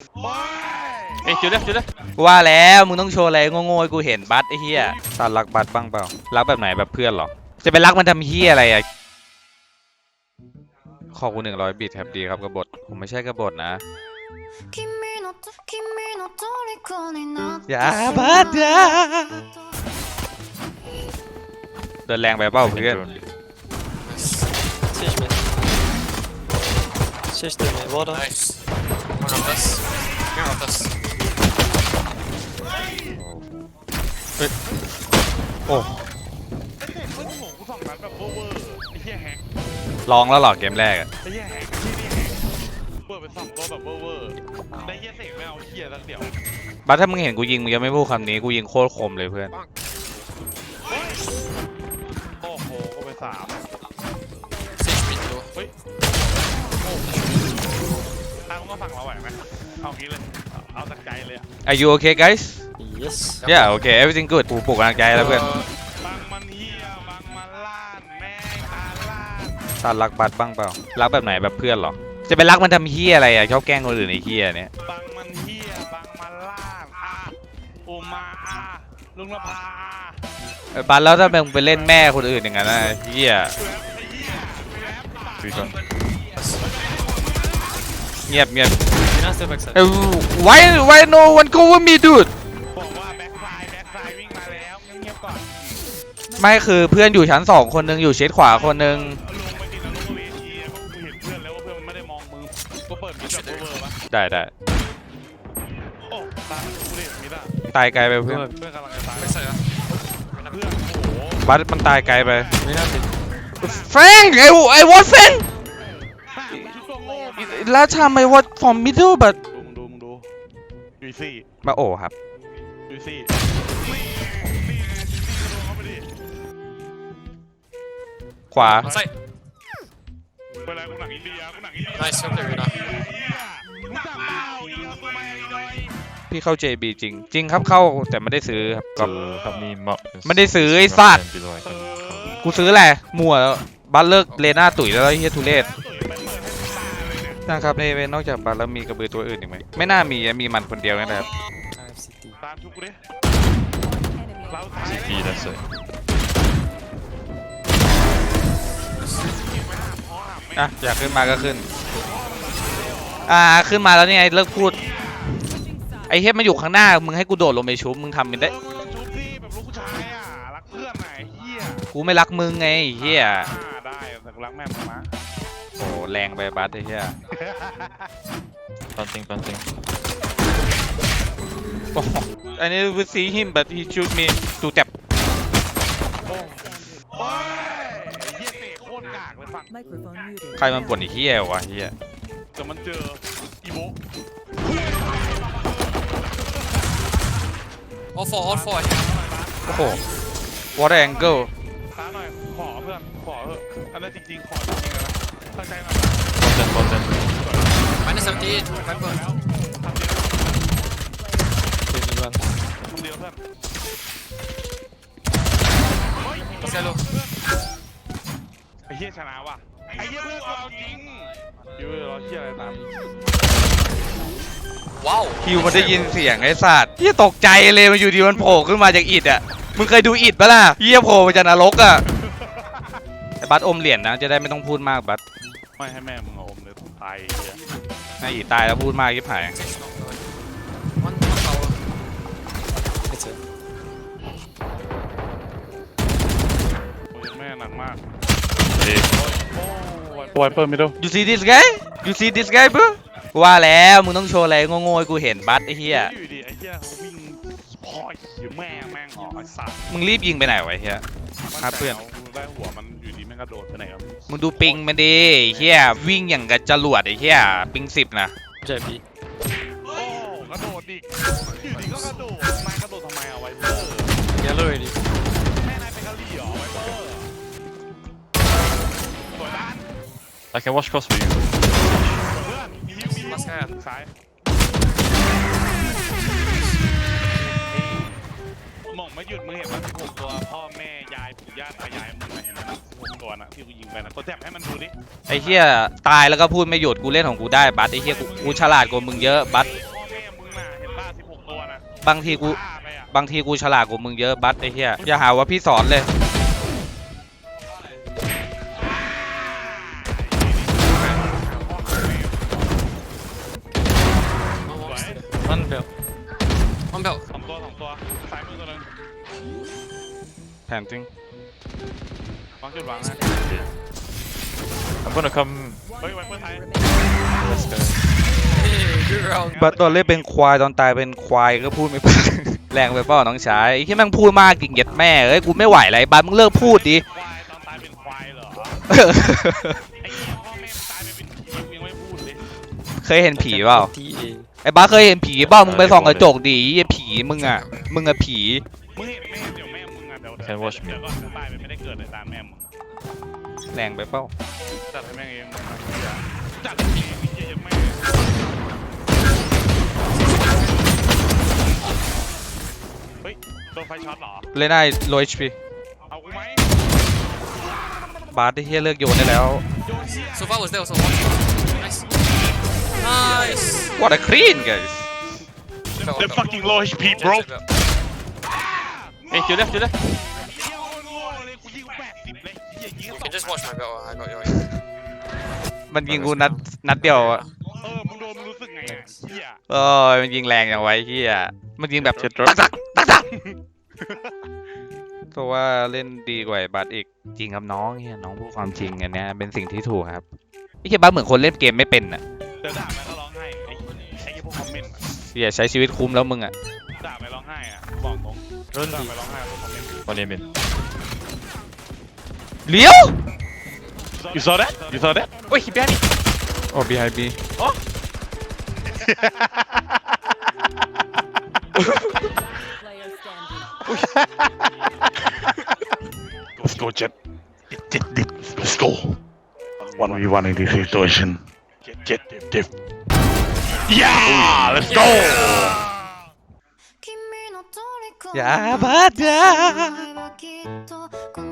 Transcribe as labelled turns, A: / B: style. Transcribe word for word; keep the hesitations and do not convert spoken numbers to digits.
A: เอ้ยจุดเลยจุดเลย
B: ว่าแล้วมึงต้องโชว์อะไรโง่ๆให้กูเห็นบัสไอ้เหี้ยตอนรักบัสบ้างเปล่ารักแบบไหนแบบเพื่อนหรอจะไปรักมันทำเหี้ยอะไรอ่ะขอกูหนึ่งร้อยบิตครับดีครับกบฏผมไม่ใช่กบฏนะอย่าบัสอย่าเดินแรงไปเปล่าเพื่อน
C: Siege mid. Siege two mid. Water.
D: Nice. One of us. One of us.
B: โอ้
A: ไอ้เด็กมึงโหกูสองนัดแบบเวอร์ไอ้เหี้ยแฮก
B: ลองแล้วหรอเกมแรกอะ
A: ไอ้เหี้ยแฮกที่นี่แฮกเปิดไปสองตัวแบบเวอร์ได้เหี้ยเสกไม่เอาเหี้ยสักเดียว
B: บัสถ้ามึงเห็นกูยิงมึงจะไม่พูดคำนี้กูยิงโคตรคมเลยเพื่อน
A: โอ้โหก็ไปสาม
D: Sage mid low.
A: เฮ้ยโอ้ทางมึงก็ฝั่งเราไหวไหมเอางี้เลยเอาจากใจเลย
B: Are you okay guys
C: Yes.
B: Yeah okay everything good กูปลุกกำลังใจแล้วเพื่อน
D: Uh,
A: บังมันเหี้ยบังมันล้านแม่งอาล้าน
B: ตอนรักบัสบ้างเปล่ารักแบบไหนแบบเพื่อนหรอจะไปรักมันทำเหี้ยอะไรอ่ะชอบแกล้งคนอื่นไอ้เหี้ยเนี่ย
A: บังมันเหี้ยบังมันล้านอาอุมาอาลุงละพาอา
B: บัสแล้วถ้ามึงไปเล่นแม่คนอื่นอย่างนั้นนะเหี้ย
A: ไอ้เหี้ยแรปปาก
B: คุยก่อนเงียบเงียบ
C: You know, still backside.
B: เอ้ย why why no one cover me dude
A: บอกว่าแบ็คไซด์แบ็คไซด์วิ่งมาแล้วเงียบๆก่อน
B: ไม่คือเพื่อนอยู่ชั้นสองคนนึงอยู่เชดขวาคนนึง
A: ลงไปกินแล้วลงเวทีกูเห็นเพื่อนแล้วว่าเพื่อนมันไม่ได้มองมือก็เปิดมิดแบบเวอร์ปะ
B: ได้ได้
A: โอ้ตามกูเล่นมิดอะ
B: ตายไกลไปเพื่อน
A: เพื่อนกำลังจะตาย
D: backside. ah.
A: เพื่อนโอ้โห
B: บัสมันตายไกลไป
C: We have it.
B: Frank I I was Frank
A: ชุดตัวโง่มา
B: last time I was from middle but
A: ดูมึงดูมึงดูยูซี่
B: มาโอ้ครับ
A: ยูซี่นี่นี่ยูซี่กระโดดเข้าไปดิ
B: ขวา
D: On site.
A: เวลากูหนังอินเดียกูหนังอินเดีย
D: Nice, well played, Rina.
A: รู้จักเปล่าอินเดียตัวมาอีกหน่อย
B: พี่เข้า เจ บี จริง จริงครับเข้าแต่ไม่ได้ซื้อครับก็
E: help me mark this.
B: ไม่ได้ซื้อไอ้สัตว์
E: below I
A: เอ
E: can
A: อ
B: กูซื้อแหละมั่วแล้วบัสเลิกเลน่าตุ๋ยแล้วไอ้เฮียทุเรศ
A: ตุ๋ยมันเปิดให้ตาเลยเนี่ย
B: นะครับในเวนนอกจากบัสแล้วมีกระบือตัวอื่นอีกไหมไม่น่ามีมีมันคนเดียวนะครับ
C: I have C T.
A: ตามชุบกูดิเราตาย
E: see that's it.
B: อ่ะอยากขึ้นมาก็ขึ้นอ่าขึ้นมาแล้วนี่ไงเลิกพูดไอ้เฮียมันอยู่ข้างหน้ามึงให้กูโดดลงไปชุบมึงทำมันได้
A: เออมึงต้องชุบสิแบบลูกผู้ชายอ่ะรักเพื่อนไหนเฮีย
B: กูไม่รักมึงไงไอ้เฮีย
A: อ่าได้แต่กูรักแม่มึงนะ
B: โอ้แรงไปบัสไอ้เฮีย
E: Planting, planting.
B: โอ้อันนี้ we see him but he shoot me ตูจับ
A: โอ้โอ้ยเฮียเตะโคตรกากเลยฝั่ง
F: Microphone muted.
B: ใครมันบ่นไอ้เฮียวะเฮีย
A: แต่มันเจออีโบ
D: All four, all four.
B: โอ้โห what angle
A: ตาหน่อยขอเพื่อนขอเถอะอันนั้นจริงๆขอจริงๆนะตั้งใจหน่อย
E: Bottom, bottom.
D: Minus seventy-eight. Viper.
A: แล้วทำเดียว
C: Two mid one.
A: ทำเดียวเพื่อน
D: Let's go low.
A: ไอ้เฮียชนะว่ะไอ้เฮียเพื่อนเราจริงยูรอเฮียอะไรตาม
D: Wow.
B: คิวมันได้ยินเสียงไอ้สัตว์เฮียตกใจเลยมันอยู่ดีมันโผล่ขึ้นมาจากอิฐอ่ะมึงเคยดูอิฐปะล่ะเฮียโผล่มาจากนรกอ่ะไอ้บัสอมเหรียญนะจะได้ไม่ต้องพูดมากบัส
A: ไม่ให้แม่มึงเอาอมเลยตายเฮีย
B: นายอิฐตายแล้วพูดมากยิบหาย
D: One, one tower.
C: It's it.
A: โอ้ยแม่หนักมาก
E: Hey,
A: โอ้ยเปิดไม่ดู
B: you see this guy you see this guy bro ว่าแล้วมึงต้องโชว์อะไรโง่ๆให้กูเห็นบัสไอ้เหี้ย
A: อยู่ดีไอ้เหี้ยเขาวิ่งพอยอยู่แม่งแม่งออกไอ้สัตว์
B: มึงรีบยิงไปไหนวะไอ้เหี้ย ครับเพื่อน
A: มัได้หัวมันอยู่ดีแม่งกระโดดไปไหนครับ
B: มึงดูปิงมันดิไอ้เหี้ยวิ่งอย่างกับจรวดไอ้เหี้ยปิงสิบนะ
C: J B.
A: โอ้กระโดดดิอยู่ดีก็กระโดดนายกระโดดทำไมเอาไวเปอร์
C: Yellow ready.
A: แม่นายเป็นกะหรี่เหรอไวเปอร์สวยด้าน
E: I can watch cross for you.
A: เพื่อนมีฮิวมีฮิว
D: Last hand.
A: ซ้ายหม่องไม่หยุดมึงเห็นว่าสิบหกตัวพ่อแม่ยายปู่ย่าตายายมึงเห็นไหมสิบหกตัวน่ะที่กูยิงไปนะตัวแจมให้มันดูดิ
B: ไอ้เหี้ยตายแล้วก็พูดไม่หยุดกูเล่นของกูได้บัสไอ้เหี้ยกูกูฉลาดกว่ามึงเยอะบัส
A: พ่อ
B: บางทีกู
A: ฆ่าไปอ่ะ
B: บางทีกูฉลาดกว่ามึงเยอะบัสไอ้เหี้ยอย่าหาว่าพี่สอนเลย
C: One belt.
D: One belt.
A: สองตัวสองตัวซ้ายมือตัวหนึง
B: แผนจริง
A: วางจุดวางนะ
E: I'm gonna come.
A: เฮ้ยไวเปอร์ไทย
E: Let's go.
D: Hey, good round.
B: บัสตอนเล่นเป็นควายตอนตายเป็นควายก็พูดไม่พอ แรงไปเปล่าน้องชายไอ้ที่แม่งพูดมากจริงเย็ดแม่เอ้ยกูไม่ไหวแล้วไรบัสมึงเลิกพูดดิ
A: ควายตอนตายเป็นควายเหรอไอ้เหี้ยพ่อแม่มึงตายไปเป็นผีมึงยังไม่พูดเลย
B: เคยเห็นผีเปล่า
C: T A.
B: ไอ้บัสเคยเห็นผีเปล่ามึงไปส่องกระจกดิไอ้ผีมึงอะมึงอะผี
A: มึงเห็นแม่เดี๋ยวแม่มึงอ่ะเดี๋ยวเดี๋ยว
E: Can watch me
A: เดี๋ยวก่อนจะตายไปไม่ได้เกิดเลยตามแม่มึง
B: แรงไปเปล่า
A: จัดให้แม่งเองจัดให้เองไอ้เหี้ยยังไม่เฮ้ยโดนไฟช็อตเหรอ
B: เล่นได้โลเอชพี
A: เอากูไหม
B: บัสไอ้เหี้ยเลิกโยนได้แล้ว
D: So far was there also one. Nice. Nice.
B: What a clean guys
D: Belt,
A: The
D: belt.
A: fucking low H P bro
D: Belt, belt.
E: Hey, to your left, to your left.
A: เหี้ยโง่เลยกูยิงแปดสิบเลยเหี้ยยิง
D: You
A: สอง
D: can just watch my belt. I got yours.
B: มันยิงกูนัดนัดเดียวอะ
A: เออมึงโดนมึงรู้สึกไงอ่ะเหี้ย
B: เออมันยิงแรงอย่างไว้เหี้ยมันยิงแบบตักตักตักตักเพราะว่าเล่นดีกว่าไอ้บัสอีกจริงครับน้องเฮียน้องพูดความจริงอันเนี้ยเป็นสิ่งที่ถูกครับไอ้เฮียบัสเหมือนคนเล่นเกมไม่เป็นอ่ะ
A: เดี๋ยวด่าไปก็ร้องไห้ไอ้ไอ้พวกคอมเมนต์อะ
B: เฮียใช้ชีวิตคุ้มแล้วมึงอ่ะ
A: ด่าไปร้องไห้อ่ะบอกตรง
E: Run
A: ด่า
E: B.
A: ไปร้องไห้พวกคอมเมนต์
E: One aim in.
B: เลี้ยว
A: You saw that You saw that
B: โอ้ยbehind me
E: Oh, behind B.
F: Player standing.
A: Let's go Jet Jet Jet Let's go One v one in this situation Jet Jet Jet Jet Yeah Let's go
B: อย่าบัสอย่า
G: きっとこの